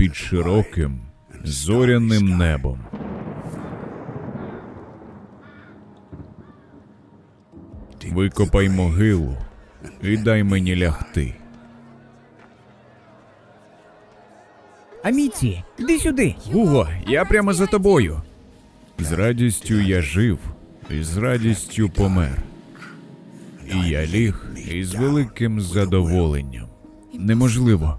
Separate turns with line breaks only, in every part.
під широким зоряним небом. Викопай могилу і дай мені лягти.
Аміці, іди сюди.
Гуго, я прямо за тобою. З радістю я жив, і з радістю помер. І я ліг із великим задоволенням. Неможливо.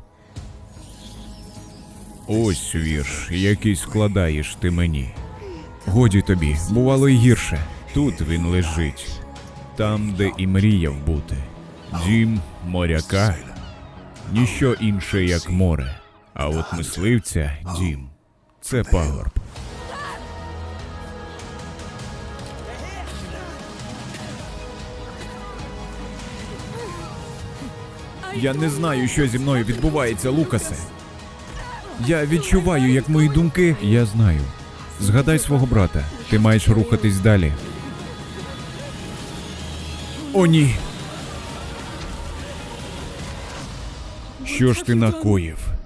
Ось вірш, який складаєш ти мені. Годі тобі, бувало й гірше. Тут він лежить, там, де і мріяв бути. Дім моряка – ніщо інше, як море. А от мисливця – дім. Це пагорб. Я не знаю, що зі мною відбувається, Лукасе. Я відчуваю, як мої думки... Я знаю. Згадай свого брата. Ти маєш рухатись далі. О, ні! Що ж ти накоїв?